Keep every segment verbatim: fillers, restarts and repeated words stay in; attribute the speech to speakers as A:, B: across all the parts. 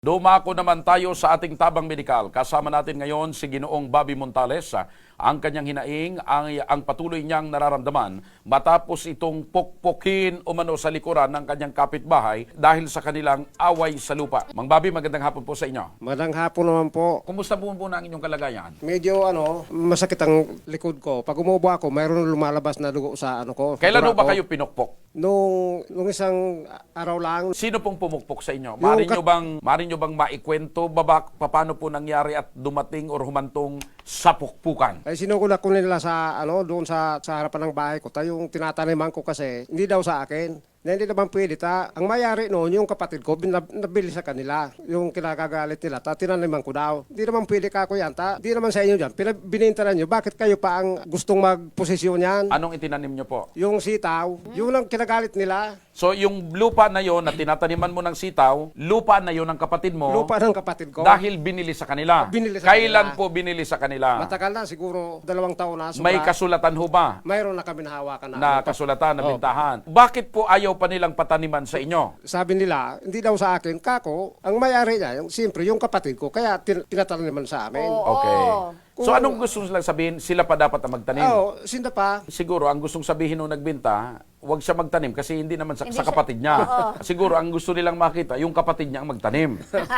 A: Dumako naman tayo sa ating tabang medikal. Kasama natin ngayon si Ginoong Bobby Montales. Ang kanyang hinaing, ang, ang patuloy niyang nararamdaman matapos itong pokpokin umano sa likuran ng kanyang kapitbahay dahil sa kanilang away sa lupa. Mang Bobby, magandang hapon po sa inyo.
B: Magandang hapon naman po.
A: Kumusta po po ang inyong kalagayan?
B: Medyo ano, masakit ang likod ko. Pag umubo ako, mayroon lumalabas na dugo sa ano ko.
A: Kailan
B: dura
A: ba
B: ko.
A: kayo pinokpok?
B: Nung, nung isang araw lang.
A: Sino pong pumukpok sa inyo? Mari
B: kat-
A: nyo bang, mari nyo bang maikwento ba paano po nangyari at dumating or humantong sa pukpukan?
B: Ay sinugod ko nila sa ano, doon sa, sa harapan ng bahay ko. Tayo yung tinataniman ko kasi, hindi daw sa akin. Na hindi naman pwede ta. Ang mayari noon, yung kapatid ko, binab- nabili sa kanila. Yung kinakagalit nila, ta, tinaniman ko daw. Hindi naman pwede ka ko yan, ta. Hindi naman sa inyo dyan. Pinab- Bininta na nyo, bakit kayo pa ang gustong magposisyon yan?
A: Anong itinanim nyo po?
B: Yung sitaw, yun ang kinagalit nila.
A: So yung lupa na yon na tinataniman mo ng sitaw, lupa na yon ng kapatid mo
B: Lupa ng kapatid ko.
A: dahil binili sa kanila.
B: Binili sa
A: Kailan
B: kanila.
A: po binili sa kanila?
B: Matagal na, siguro dalawang taon na.
A: May
B: sobra.
A: kasulatan ho ba
B: Mayroon na kami nahawakan na.
A: na
B: ano.
A: kasulatan, na
B: Oh.
A: bintahan? Bakit po ayaw pa nilang pataniman sa inyo?
B: Sabi nila, hindi daw sa akin, kako, ang mayari niya, yung, siyempre, yung kapatid ko, kaya tin- tinataniman sa amin.
C: Oo.
A: Okay. So
B: Kung-
A: anong gusto nilang sabihin? Sila pa dapat ang magtanim?
B: Oo, sinda pa.
A: Siguro ang gustong sabihin nung nagbenta, huwag siya magtanim kasi hindi naman sa,
C: Hindi
A: sa
C: siya-
A: kapatid niya.
C: Oo.
A: Siguro ang gusto nilang makita, yung kapatid niya ang magtanim.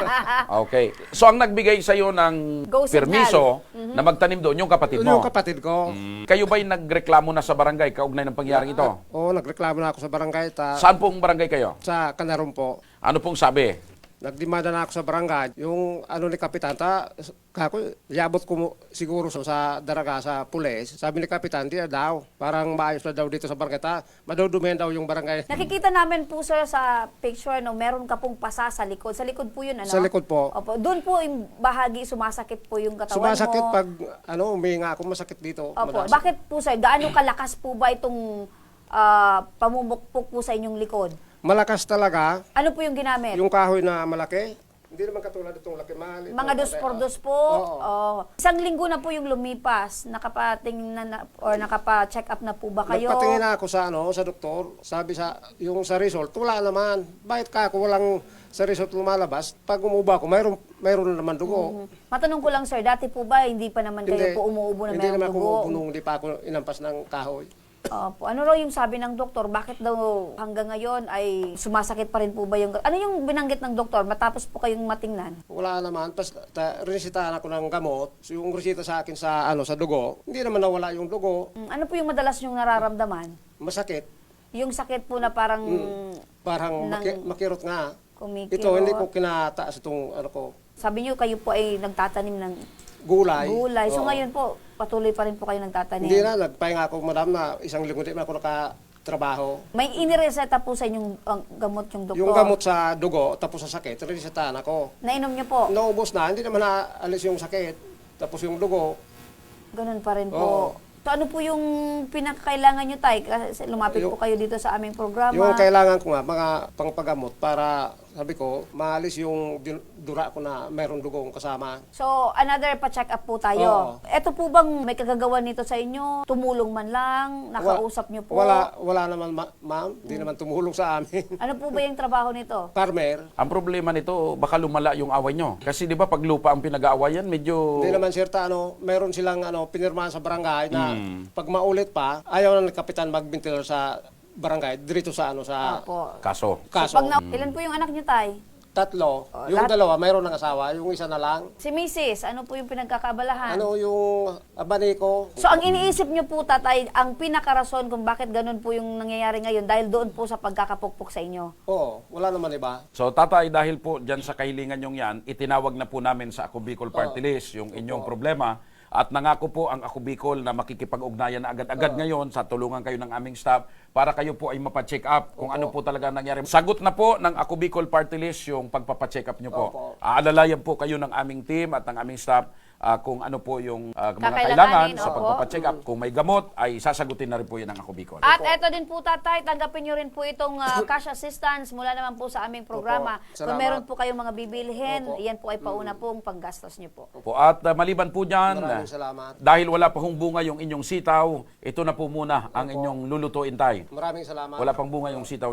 A: Okay. So ang nagbigay sa iyo ng
C: Go signal.
A: permiso na magtanim doon, yung kapatid mo.
B: Yung kapatid ko.
A: Kayo ba'y nagreklamo na sa barangay kaugnay ng pangyaring ito?
B: Oo, nagreklamo na ako sa barangay, ta,
A: Saan pong barangay kayo?
B: sa Kanarong po.
A: Ano pong sabi?
B: Nagdemanda na ako sa barangay. Yung ano ni Kapitan, ta, kako, yabot ko mo- siguro sa, sa daraga, sa pulis. Sabi ni Kapitan, di na daw. Parang maayos na daw dito sa barangay, ta. Madudumihan daw yung barangay.
C: Nakikita namin po sir sa picture, no, meron ka pong pasa sa likod. Sa likod po yun, ano?
B: Sa likod po.
C: Opo. Doon po yung bahagi, sumasakit po yung katawan
B: Sumasakit
C: mo.
B: pag, ano, umihinga ako, masakit dito.
C: Opo.
B: madalas.
C: Bakit po sir? Gaano kalakas po ba itong ah, pamumukpok po sa inyong likod?
B: Malakas talaga.
C: Ano po yung ginamit?
B: Yung kahoy na malaki, hindi naman katulad itong laki mahal. ito,
C: Mga dos
B: pare-
C: por dos po.
B: Oo.
C: Oh. Isang linggo na po yung lumipas. Nakapatingin na, na- or nakapa-check up na po ba kayo?
B: Nagpatingin na ako sa ano, sa doktor. Sabi sa yung sa result, wala naman. Bakit ka ako walang sa result lumalabas? Pag umuba ako, mayroon mayroon na naman dugo.
C: Matanong ko lang sir, dati po ba hindi pa naman kayo po umuubo na
B: hindi
C: mayroong
B: naman ako
C: dugo?
B: umuubo nung hindi pa ako inampas ng kahoy.
C: Opo. Ano raw yung sabi ng doktor? Bakit daw hanggang ngayon ay sumasakit pa rin po ba yung... Ano yung binanggit ng doktor matapos po kayong matingnan?
B: Wala naman. Tapos ta, resitahan ako ng gamot. So, yung resita sa akin sa ano sa dugo, hindi naman nawala yung dugo.
C: Mm, Ano po yung madalas yung nararamdaman?
B: Masakit.
C: Yung sakit po na parang
B: Parang
C: Nang-
B: maki- makirot nga.
C: kumikirot.
B: Ito, hindi ko kinataas itong ano ko,
C: Sabi niyo kayo po ay nagtatanim ng
B: gulay.
C: gulay. So
B: Oo.
C: ngayon po, patuloy pa rin po kayo nagtatanim.
B: Hindi na, nagpahinga ako, madam, na isang linggo din ako nakatrabaho.
C: May inireseta po sa inyong ang gamot yung doktor?
B: Yung gamot sa dugo, tapos sa sakit, resetahan ako.
C: Nainom niyo po?
B: Naubos na, hindi naman naalis yung sakit. Tapos yung dugo,
C: Ganun pa rin
B: Oo.
C: po. So ano po yung pinakakailangan nyo, Tay? Kasi lumapit
B: Yung-
C: po kayo dito sa aming programa.
B: yung kailangan ko nga, mga pangpagamot para, sabi ko, maalis yung din- dura ko na mayroong dugong kasama.
C: So, another pa-check up po tayo.
B: Oo.
C: Ito po bang may kagagawa nito sa inyo? Tumulong man lang? Nakausap nyo po?
B: Wala, wala naman, ma- ma'am. Hindi naman tumulong sa amin.
C: Ano po ba yung trabaho nito?
B: Farmer.
A: Ang problema nito, baka lumala yung away nyo. Kasi di ba pag lupa ang pinag-aawayan, medyo...
B: Hindi naman sir, ta, ano, meron silang ano, pinirmahan sa barangay na pag maulit pa, ayaw na ng kapitan magbintil sa barangay, dirito sa ano sa
C: Opo.
A: Kaso.
B: kaso.
C: Pag na- ilan po yung anak nyo, Tay?
B: Tatlo.
C: Oh,
B: yung
C: lahat-
B: dalawa, mayroon ng asawa. Yung isa na lang.
C: Si Missus, ano po yung pinagkakabalahan?
B: Ano yung abaniko?
C: So, ang iniisip nyo po, Tatay, ang pinakarason kung bakit ganun po yung nangyayari ngayon dahil doon po sa pagkakapukpok sa inyo.
B: Oo, wala naman iba.
A: So tatay, dahil po dyan sa kahilingan yung yan, itinawag na po namin sa Ako Bicol Party List yung inyong problema. At nangako po ang Ako Bicol na makikipag-ugnayan na agad-agad ngayon sa tulungan kayo ng aming staff para kayo po ay mapacheck up kung ano po talaga nangyari. Sagot na po ng Ako Bicol Party List yung pagpapacheck up nyo po.
B: Opo.
A: Aalalayan po kayo ng aming team at ng aming staff ah, kung ano po yung ah, mga
C: Kakailanganin,
A: kailangan sa
C: opo.
A: pagpapacheck up. Kung may gamot, ay sasagutin na rin po yan ng Ako Bicol.
C: At eto din po, Tatay, tanggapin nyo rin po itong ah, cash assistance mula naman po sa aming programa.
B: Opo.
C: Kung
B: Salamat.
C: meron po kayong mga bibilhin,
B: Opo.
C: yan po ay pauna pong panggastos nyo po.
A: Po. At ah, maliban po dyan,
B: Maraming salamat.
A: dahil wala pa hong bunga yung inyong sitaw, ito na po muna ang inyong lulutuin, tay.
B: Maraming salamat.
A: Wala pang bunga yung sitaw nyo.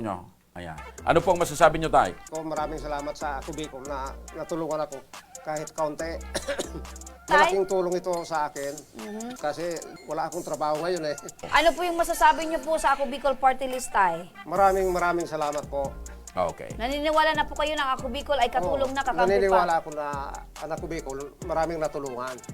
A: Ayan. Ano pong masasabi nyo, Tay?
B: Ko maraming salamat sa Ako Bicol na natulungan ako kahit kaunti.
C: Tay?
B: Malaking tulong ito sa akin kasi wala akong trabaho ngayon eh.
C: Ano po yung masasabi niyo po sa Ako Bicol Party List, Tay?
B: Maraming maraming salamat po.
A: Okay.
C: Naniniwala na po kayo ng Ako Bicol ay katulong
B: Oo,
C: na kakampi pa.
B: Naniniwala ako na ang Ako Bicol maraming natulungan.